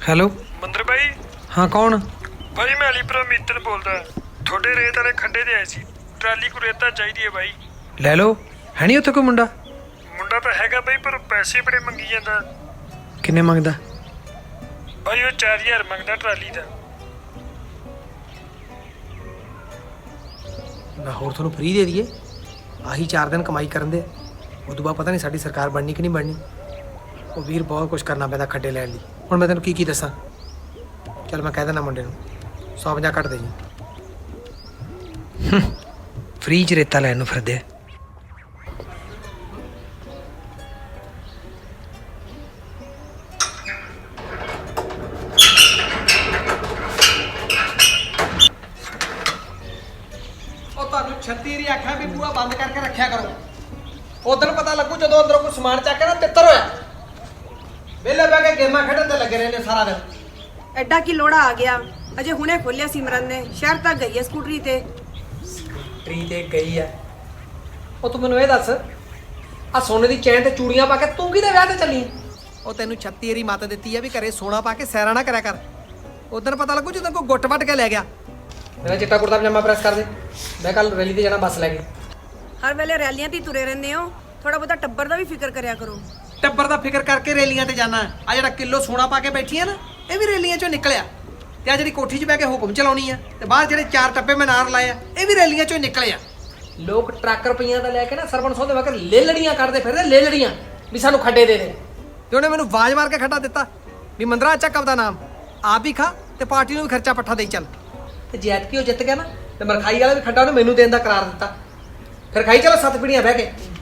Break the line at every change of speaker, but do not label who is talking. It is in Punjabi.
ਹੈਲੋ।
ਮੰਦਰ ਬਾਈ।
ਹਾਂ ਕੌਣ?
ਬਾਈ ਮੈਂ ਅਲੀਪੁਰਾ ਮੀਤਨ ਬੋਲਦਾ। ਤੁਹਾਡੇ ਰੇਤ ਵਾਲੇ ਖੱਡੇ ਤੇ ਆਏ ਸੀ। ਟਰਾਲੀ ਕੋ ਰੇਤਾ ਚਾਹੀਦੀ ਹੈ ਬਾਈ।
ਲੈ ਲਓ। ਹੈ ਨਹੀਂ ਉੱਥੇ ਕੋਈ ਮੁੰਡਾ?
ਮੁੰਡਾ ਤਾਂ ਹੈਗਾ ਬਾਈ, ਪਰ ਪੈਸੇ ਬੜੇ ਮੰਗੀ ਜਾਂਦਾ।
ਕਿੰਨੇ ਮੰਗਦਾ?
ਬਾਈ ਉਹ 4000 ਮੰਗਦਾ ਟਰਾਲੀ ਦਾ।
ਨਾ ਹੋਰ ਤੁਹਾਨੂੰ ਫ੍ਰੀ ਦੇ ਦਈਏ? ਆਹੀ 4 ਦਿਨ ਕਮਾਈ ਕਰਨ ਦੇ, ਉਦੋਂ ਬਾਅਦ ਪਤਾ ਨਹੀਂ ਸਾਡੀ ਸਰਕਾਰ ਬਣਨੀ ਕਿ ਨਹੀਂ ਬਣਨੀ। ਉਹ ਵੀਰ ਬਹੁਤ ਕੁਝ ਕਰਨਾ ਪੈਂਦਾ ਖੱਡੇ ਲੈਣ ਲਈ। ਹੁਣ ਮੈਂ ਤੈਨੂੰ ਕੀ ਦੱਸਾਂ। ਚੱਲ ਮੈਂ ਕਹਿ ਦਿੰਦਾ ਮੁੰਡੇ ਨੂੰ 150 ਕੱਟ ਦੇ ਜੀ। ਫ੍ਰੀ 'ਚ ਰੇਤਾ ਲੈਣ ਨੂੰ ਫਿਰਦੇ ਆ।
ਉਹ ਤੁਹਾਨੂੰ 36 ਵਾਰੀ ਆਖਿਆ ਵੀ ਬੂਹਾ ਬੰਦ ਕਰਕੇ ਰੱਖਿਆ ਕਰੋ। ਉਦੋਂ ਪਤਾ ਲੱਗੂ ਜਦੋਂ ਅੰਦਰੋਂ ਕੋਈ ਸਮਾਨ ਚੱਕ ਕੇ ਨਾ ਤਿੱਤਰ ਹੋਇਆ। ਵਿਹਲੇ ਬਹਿ ਕੇ ਗੇਮਾਂ ਖੇਡਣ ਤੇ ਲੱਗੇ ਰਹਿੰਦੇ ਸਾਰਾ ਦਿਨ।
ਐਡਾ ਕੀ ਲੋੜਾ ਆ ਗਿਆ? ਅਜੇ ਹੁਣੇ ਖੋਲਿਆ ਸਿਮਰਨ ਨੇ, ਸ਼ਹਿਰ ਤੱਕ ਗਈ ਹੈ ਸਕੂਟਰੀ ਤੇ।
ਟਰੀ ਤੇ ਗਈ ਆ। ਉਹ ਤੂੰ ਮੈਨੂੰ ਇਹ ਦੱਸ, ਆ ਸੋਨੇ ਦੀ ਚੈਨ ਤੇ ਚੂੜੀਆਂ ਪਾ ਕੇ ਤੂੰ ਕਿਹਦੇ ਵਿਆਹ ਤੇ ਚੱਲੀ? ਉਹ ਤੈਨੂੰ 36 ਵਾਰੀ ਮੱਤ ਦਿੱਤੀ ਆ ਵੀ ਘਰੇ ਸੋਨਾ ਪਾ ਕੇ ਸੈਰਾ ਨਾ ਕਰਿਆ ਕਰ। ਉਦੋਂ ਪਤਾ ਲੱਗੂ ਜਦੋਂ ਕੋਈ ਗੁੱਟ ਵੱਟ ਕੇ ਲੈ ਗਿਆ। ਮੇਰਾ ਚਿੱਟਾ ਕੁੜਤਾ ਪਜਾਮਾ ਪ੍ਰੈਸ ਕਰ ਦੇ, ਮੈਂ ਕੱਲ ਰੈਲੀ ਤੇ ਜਾਣਾ ਬੱਸ ਲੈ ਕੇ।
ਹਰ ਵੇਲੇ ਰੈਲੀਆਂ ਤੇ ਹੀ ਤੁਰੇ ਰਹਿੰਦੇ ਹੋ, ਥੋੜਾ ਬਹੁਤਾ ਟੱਬਰ ਦਾ ਵੀ ਫਿਕਰ ਕਰਿਆ ਕਰੋ।
ਟੱਬਰ ਦਾ ਫਿਕਰ ਕਰਕੇ ਰੈਲੀਆਂ ਤੇ ਜਾਣਾ। ਆ ਜਿਹੜਾ ਕਿਲੋ ਸੋਨਾ ਪਾ ਕੇ ਬੈਠੀ ਆ ਨਾ, ਇਹ ਵੀ ਰੈਲੀਆਂ ਚੋਂ ਨਿਕਲਿਆ। ਤੇ ਆ ਜਿਹੜੀ ਕੋਠੀ 'ਚ ਬਹਿ ਕੇ ਹੁਕਮ ਚਲਾਉਣੀ ਆ, ਤੇ ਬਾਹਰ ਜਿਹੜੇ 4 ਟੱਪੇ ਮੈਂ ਨਾਰ ਲਾਏ ਆ, ਇਹ ਵੀ ਰੈਲੀਆਂ ਚੋਂ ਨਿਕਲੇ ਆ। ਲੋਕ ਟਰੱਕ ਰੁਪਈਆਂ ਦਾ ਲੈ ਕੇ ਨਾ ਸਰਵਣ ਸੋਹ ਦੇ ਵਕਰ ਲੇਲੜੀਆਂ ਕੱਢਦੇ ਫਿਰਦੇ, ਲੇਲੜੀਆਂ ਵੀ ਸਾਨੂੰ ਖੱਡੇ ਦੇ ਦੇ। ਤੇ ਉਹਨੇ ਮੈਨੂੰ ਆਵਾਜ਼ ਮਾਰ ਕੇ ਖੱਡਾ ਦਿੱਤਾ ਵੀ ਮੰਦਰਾ ਚੱਕ ਆਪਦਾ ਨਾਮ ਆਪ ਹੀ ਖਾ ਤੇ ਪਾਰਟੀ ਨੂੰ ਵੀ ਖਰਚਾ ਪੱਠਾ ਦੇਈ ਚੱਲ। ਤੇ ਜੈਤਕੀ ਉਹ ਜਿੱਤ ਗਿਆ ਨਾ, ਤੇ ਮਰਖਾਈ ਵਾਲਾ ਵੀ ਖੱਡਾ ਉਹਨੇ ਮੈਨੂੰ ਦੇਣ ਦਾ ਕਰਾਰ ਦਿੱਤਾ। ਫਿਰ ਖਾਈ ਚਲੋ 7 ਪੀੜੀਆਂ ਬਹਿ ਕੇ।